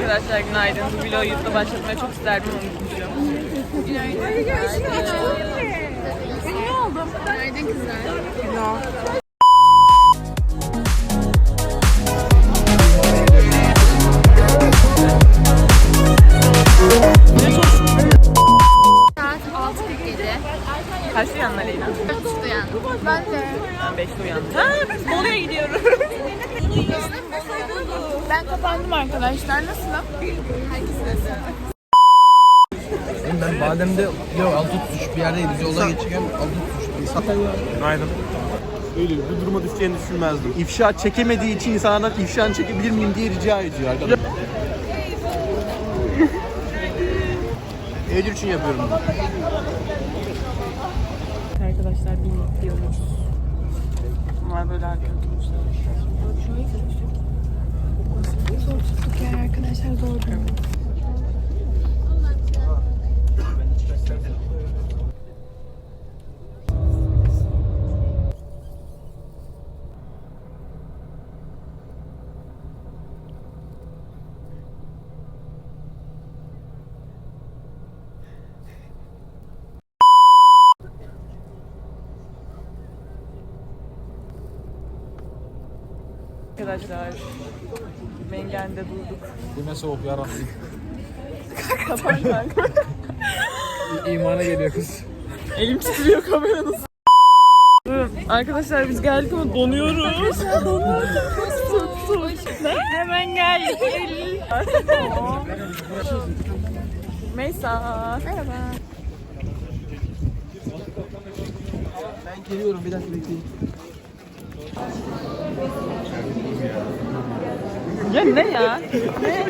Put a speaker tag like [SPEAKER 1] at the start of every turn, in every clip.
[SPEAKER 1] Arkadaşlar günaydın. Bu vlogu YouTube'da başlatmayı çok isterdim, unutmuşum. Günaydın. Ne oldu?
[SPEAKER 2] Günaydın kızlar. Saat 6:47.
[SPEAKER 1] Kaçta uyandın Aleyna?
[SPEAKER 2] 4:30'da uyandım. Ben de.
[SPEAKER 1] Ben 5'te uyandım. Ha, biz Bolu'ya gidiyoruz.
[SPEAKER 2] Ben kapandım arkadaşlar. Nasılım?
[SPEAKER 3] Ben Badem'de yok altı tutmuş bir yerdeyiz. Yoldan geçirken altı tutmuş.
[SPEAKER 4] Günaydın. Öyle bir duruma düşeceğini düşünmezdim. İfşa çekemediği için insanlardan ifşanı çekebilir miyim diye rica ediyor arkadaşlar. Eylül için yapıyorum.
[SPEAKER 1] Arkadaşlar bindik diyoruz. Bunlar böyle arkadaşlar.
[SPEAKER 2] Arkadaşlar doğru.
[SPEAKER 1] Arkadaşlar Mengen'de durduk.
[SPEAKER 3] Bu ne soğuk ya Rabbim.
[SPEAKER 1] Kapan kanka.
[SPEAKER 3] İmana geliyor kız.
[SPEAKER 1] Elim titriyor kameranın. Arkadaşlar biz geldik ama donuyoruz. Çok soğuk. Hemen geldik. Meysa.
[SPEAKER 2] Merhaba.
[SPEAKER 3] Ben geliyorum bir dakika bekleyin.
[SPEAKER 1] Ya ne ya? Ne?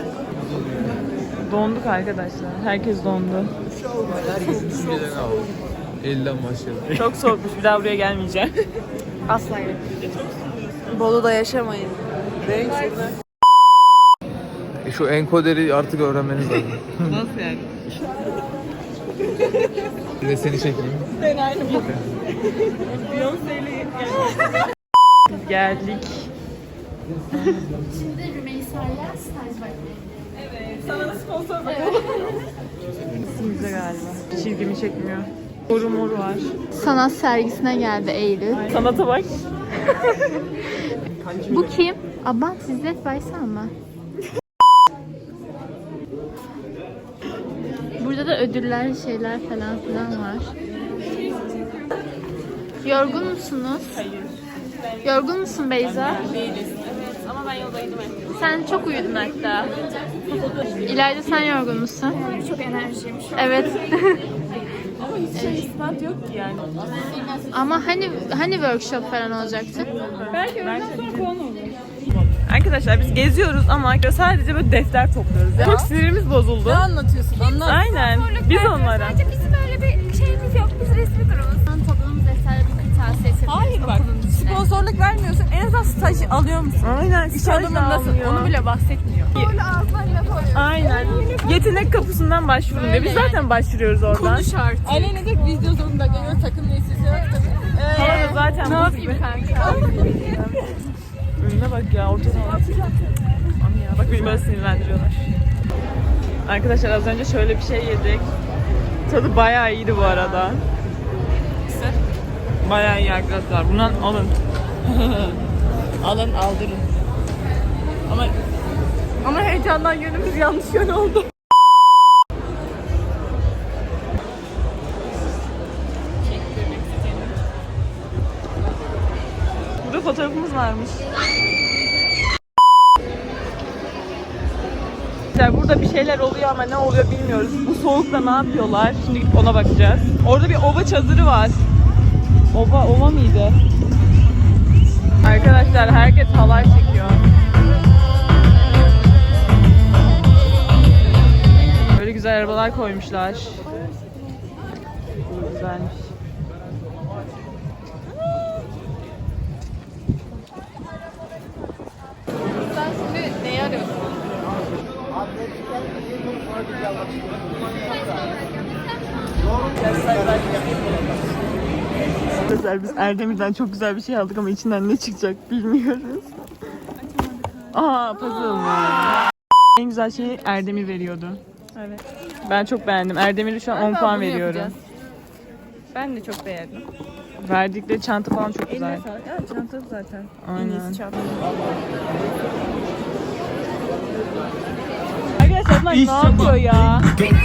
[SPEAKER 1] Donduk arkadaşlar. Herkes dondu.
[SPEAKER 3] Herkesin düşüncelerini alalım. Elden başlayalım.
[SPEAKER 1] Çok soğukmuş. Bir daha buraya gelmeyeceğim.
[SPEAKER 2] Asla yok. Bolu'da yaşamayın.
[SPEAKER 3] Şu enkoderi artık öğrenmeniz lazım.
[SPEAKER 1] Nasıl yani?
[SPEAKER 3] Bir de seni çekeyim.
[SPEAKER 1] Ben aynı bu. Beyoncé'yle geldik.
[SPEAKER 2] Şimdi Rümeysa'yla staj bakmayı.
[SPEAKER 1] Sana da sponsor bakalım. Bize galiba. Çizgimi çekmiyor. Moru moru var.
[SPEAKER 2] Sanat sergisine geldi Eylül.
[SPEAKER 1] Sanata bak.
[SPEAKER 2] Bu kim? Abban İzzet Baysal mı? Burada da ödüller, şeyler falan filan var. Yorgun musunuz?
[SPEAKER 1] Hayır.
[SPEAKER 2] Yorgun musun Beyza?
[SPEAKER 1] Değiliz. Evet ama ben yoldaydım.
[SPEAKER 2] Sen çok uyudun hatta. İlayda sen yorgun musun?
[SPEAKER 5] Çok enerjiyim şu an.
[SPEAKER 2] Evet.
[SPEAKER 1] Ama hiç ispat yok ki yani.
[SPEAKER 2] Ama hani workshop falan olacaktı?
[SPEAKER 1] Belki öğleden sonra puan olur. Arkadaşlar biz geziyoruz ama sadece böyle defter topluyoruz. Çok sinirimiz bozuldu. Ne anlatıyorsun? Anlat. Aynen. Biz onlara.
[SPEAKER 5] Sadece bizim öyle bir şeyimiz yok. Biz resmi durumuz.
[SPEAKER 2] Topladığımız defterleri bir kırtasiye yapıyoruz.
[SPEAKER 5] Hayır bak. Sponsorluk vermiyorsun. En azından staj alıyor musun?
[SPEAKER 1] Aynen.
[SPEAKER 5] İş alımındasın. Onu bile bahsetmiyor.
[SPEAKER 1] Böyle
[SPEAKER 5] ağzından laf alıyorsun.
[SPEAKER 1] Aynen. Yetenek kapısından başvurun diye. Biz zaten başvuruyoruz oradan.
[SPEAKER 5] Şart. Aleyna diyor ki video zorunda geliyor. Takım listesi yok.
[SPEAKER 1] Hava da zaten
[SPEAKER 5] Ne
[SPEAKER 1] buz
[SPEAKER 5] yapayım
[SPEAKER 1] gibi.
[SPEAKER 5] kanka?
[SPEAKER 1] Önüne bak ya, ortada. Aman ya, bak beni böyle sinirlendiriyorlar. Arkadaşlar az önce şöyle bir şey yedik. Tadı bayağı iyiydi bu arada. Bayağı iyi arkadaşlar. Bundan alın. Alın, aldırın. Ama heyecandan yönümüz yanlış yön oldu. Burada fotoğrafımız varmış. Burada bir şeyler oluyor ama ne oluyor bilmiyoruz. Bu soğukta ne yapıyorlar? Şimdi gidip ona bakacağız. Orada bir ova çadırı var. Ova mıydı? Arkadaşlar herkes halay çekiyor. Böyle güzel arabalar koymuşlar. Güzelmiş.
[SPEAKER 5] Sen şimdi neyi arıyorsun?
[SPEAKER 1] Arkadaşlar biz Erdemir'den çok güzel bir şey aldık ama içinden ne çıkacak bilmiyoruz. Aa, puzzle mı? En güzel şeyi Erdemir veriyordu.
[SPEAKER 5] Evet.
[SPEAKER 1] Ben çok beğendim. Erdemir'e şu an 10 puan veriyorum.
[SPEAKER 5] Ben de çok beğendim.
[SPEAKER 1] Verdikleri çanta falan çok güzel.
[SPEAKER 5] Eline sağlık. Evet, çanta zaten.
[SPEAKER 1] Aynen.
[SPEAKER 5] En iyisi çanta.
[SPEAKER 1] Arkadaşlar bunlar ne yapıyor ya?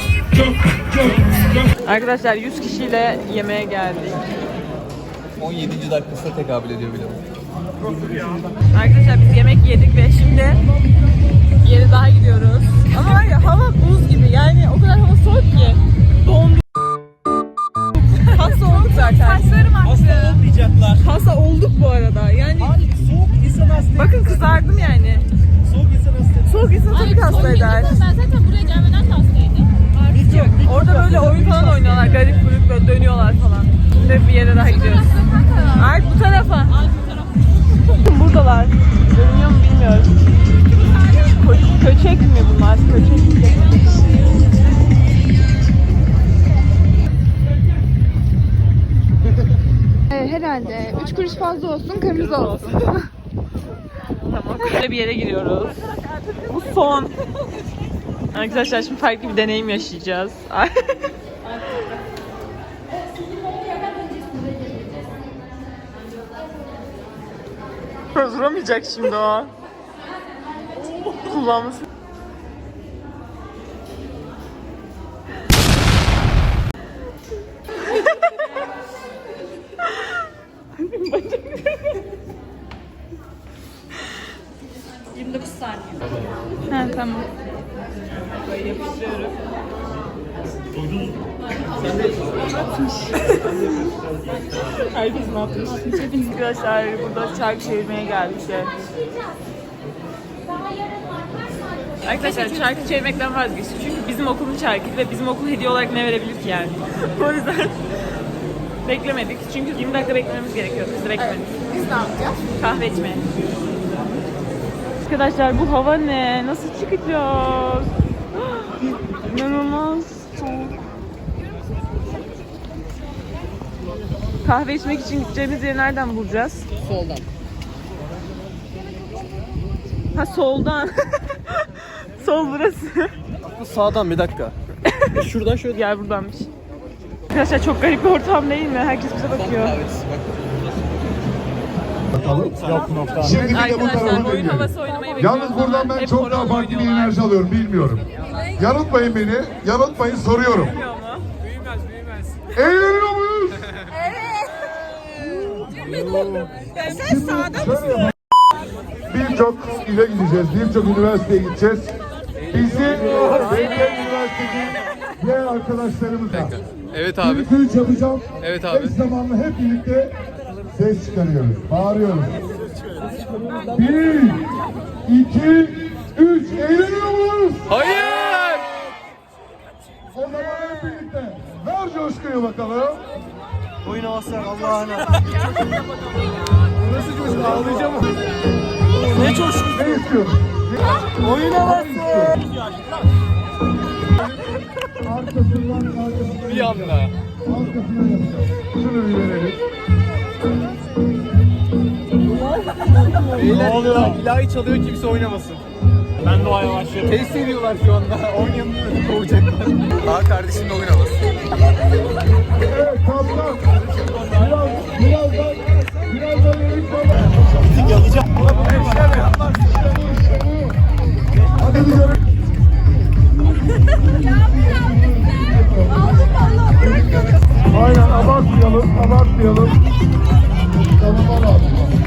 [SPEAKER 1] Arkadaşlar 100 kişiyle yemeğe geldik.
[SPEAKER 3] 17. dakikasına tekabül ediyor bile.
[SPEAKER 1] Arkadaşlar biz yemek yedik ve şimdi bir yere daha gidiyoruz. Ama var ya hava buz gibi, yani o kadar hava soğuk ki. Donduk. Hasta olduk zaten.
[SPEAKER 5] Saçlarım aktı.
[SPEAKER 4] Olmayacaklar.
[SPEAKER 1] Hasta olduk bu arada. Yani
[SPEAKER 4] Soğuk insan hasta.
[SPEAKER 1] bakın kızardım yani.
[SPEAKER 4] Soğuk insan hasta.
[SPEAKER 1] Soğuk insan tabii ki hasta eder.
[SPEAKER 2] Ben zaten buraya gelmeden de hastaydım.
[SPEAKER 1] Orada böyle oyun falan oynuyorlar. Garip grup böyle dönüyorlar falan. Şimdi bir yere daha gidiyoruz. Art bu tarafa. Buradalar. Görünüyor mu bilmiyorum. Köçek mi bunlar? Köçek mi?
[SPEAKER 2] Herhalde 3 kuruş fazla olsun, kırmızı olsun.
[SPEAKER 1] Tamam. Böyle bir yere giriyoruz. Bu son. Arkadaşlar şimdi farklı bir deneyim yaşayacağız. Duramayacak şimdi o. Kullanması.
[SPEAKER 2] Ha tamam.
[SPEAKER 1] Yapıştırıyorum. Herkes ne yapmış? Arkadaşlar burada çark çevirmeye geldik. Arkadaşlar çarkı çevirmekten vazgeçtik. Çünkü bizim okulun çarkıydı ve bizim okul hediye olarak ne verebilir ki yani? O yüzden beklemedik. Çünkü 20 dakika beklememiz gerekiyordu. Biz de beklemedik.
[SPEAKER 5] Biz ne yapacağız?
[SPEAKER 1] Kahve içmeye. Arkadaşlar bu hava ne? Nasıl çıkacağız? İnanılmaz soğuk. Kahve içmek için gideceğimiz yeri nereden bulacağız?
[SPEAKER 3] Soldan.
[SPEAKER 1] Ha soldan. Sol burası.
[SPEAKER 4] Sağdan bir dakika. Şuradan şöyle.
[SPEAKER 1] Yer buradanmış. Arkadaşlar çok garip bir ortam değil mi? Herkes bize bakıyor.
[SPEAKER 6] Şimdi bir de bu
[SPEAKER 1] Arkadaşlar
[SPEAKER 6] tarafa
[SPEAKER 1] oyun
[SPEAKER 6] dönüyorum.
[SPEAKER 1] havası oynamayı bekliyoruz.
[SPEAKER 6] Yalnız buradan ben
[SPEAKER 1] Hep
[SPEAKER 6] çok daha
[SPEAKER 1] horon
[SPEAKER 6] farklı bir
[SPEAKER 1] oynuyorlar.
[SPEAKER 6] enerji alıyorum, bilmiyorum. Yanıltmayın beni, yanıltmayın, soruyorum.
[SPEAKER 1] Bilmiyor mu?
[SPEAKER 6] Eğleniyor muyuz?
[SPEAKER 5] Sen sağda mısın?
[SPEAKER 6] Şöyle yapalım. Birçok ile gideceğiz, birçok üniversiteye gideceğiz. Bizi belediye üniversitesi diğer arkadaşlarımızla.
[SPEAKER 3] Evet abi.
[SPEAKER 6] Türküyü çalacağım.
[SPEAKER 3] Evet abi.
[SPEAKER 6] Eş zamanlı hep birlikte ses çıkarıyoruz, bağırıyoruz. 1, 2, 3, eğleniyor muyuz?
[SPEAKER 3] Hayır!
[SPEAKER 6] O zaman hep birlikte ver coşkuyu bakalım.
[SPEAKER 4] Oyun havası Allah'ına. Nasıl coşku? Ağlayacağım. Ne coşku?
[SPEAKER 6] Ne istiyorsun?
[SPEAKER 4] Oyun havası.
[SPEAKER 6] Arkasından
[SPEAKER 3] Bir anda.
[SPEAKER 6] arkasından yapacağız. Şunu bir verelim.
[SPEAKER 4] Beyler ilahi çalıyor, kimse oynamasın. Ben de o başlıyorum. Test ediyorlar şu anda. Oynayamıyoruz. Kovacaklar.
[SPEAKER 3] Aa kardeşimle oyun havası.
[SPEAKER 6] Evet kaptan. Birazdan erik baba.
[SPEAKER 4] Yalayacağım.
[SPEAKER 6] Hadi gidelim. Aynen abartmayalım. Tamam abi.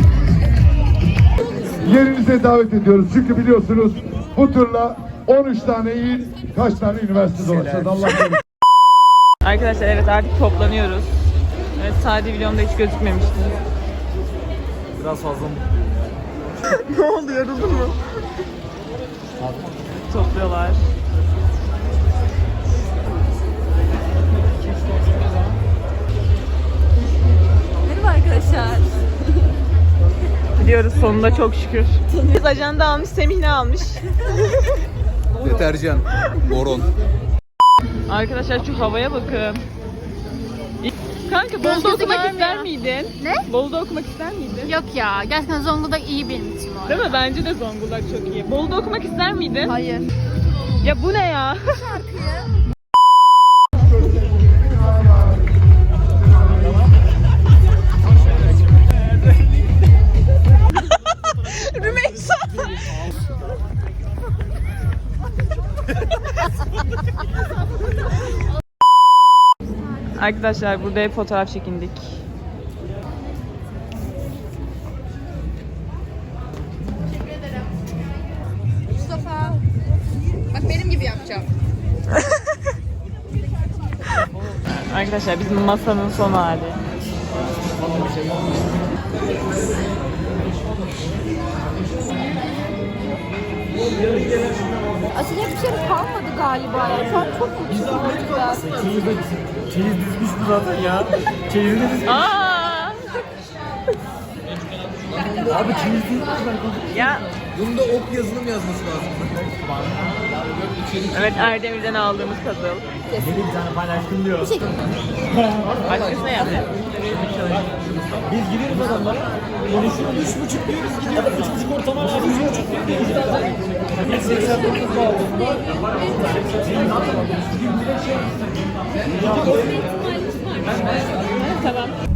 [SPEAKER 6] Yerinize davet ediyoruz çünkü biliyorsunuz bu turla 13 tane il, kaç tane üniversite dolaşacağız Allah korusun.
[SPEAKER 1] Arkadaşlar evet artık toplanıyoruz. Evet Sadi videomda hiç gözükmemişti.
[SPEAKER 4] Biraz fazla mı?
[SPEAKER 1] Ne oldu, yoruldun mu? Topluyorlar.
[SPEAKER 5] Merhaba arkadaşlar.
[SPEAKER 1] Gidiyoruz sonunda çok şükür. Biz ajanda almış, Semih ne almış?
[SPEAKER 3] Deterjan. Boron.
[SPEAKER 1] Arkadaşlar şu havaya bakın. Kanka
[SPEAKER 2] Göz
[SPEAKER 1] Bolu'da
[SPEAKER 2] gözü
[SPEAKER 1] okumak
[SPEAKER 2] görmüyor.
[SPEAKER 1] ister miydin?
[SPEAKER 2] Ne?
[SPEAKER 1] Bolu'da okumak ister miydin?
[SPEAKER 2] Yok ya. Gerçekten Zonguldak iyi benim için bu arada.
[SPEAKER 1] Değil mi? Bence de Zonguldak çok iyi. Bolu'da okumak ister miydin?
[SPEAKER 5] Hayır.
[SPEAKER 1] Ya bu ne ya? Rümeysa. Arkadaşlar burada hep fotoğraf çekindik.
[SPEAKER 5] Mustafa. Bak benim gibi yapacağım.
[SPEAKER 1] Arkadaşlar bizim masanın son hali.
[SPEAKER 5] Açacak bir şey kalmadı galiba ya. Şu an çok mutluyum.
[SPEAKER 4] Çeyiz dizmiş bu zaten ya. Çeyizini dizmiş.
[SPEAKER 1] Aa!
[SPEAKER 4] Abi çeyiz dizmiş.
[SPEAKER 1] Ya
[SPEAKER 3] Bunda ok yazılım yazması lazım.
[SPEAKER 1] evet Erdemir'den aldığımız puzzle.
[SPEAKER 4] Beni bir tane paylaştım diyor.
[SPEAKER 1] Başkasına yap.
[SPEAKER 4] Biz gidiyoruz adamlara. Konuşuyoruz 3,5 diyoruz gidiyoruz. 3,5 ortama var. 3,5 diyoruz zaten. 189 bağladığında.
[SPEAKER 1] Tamam.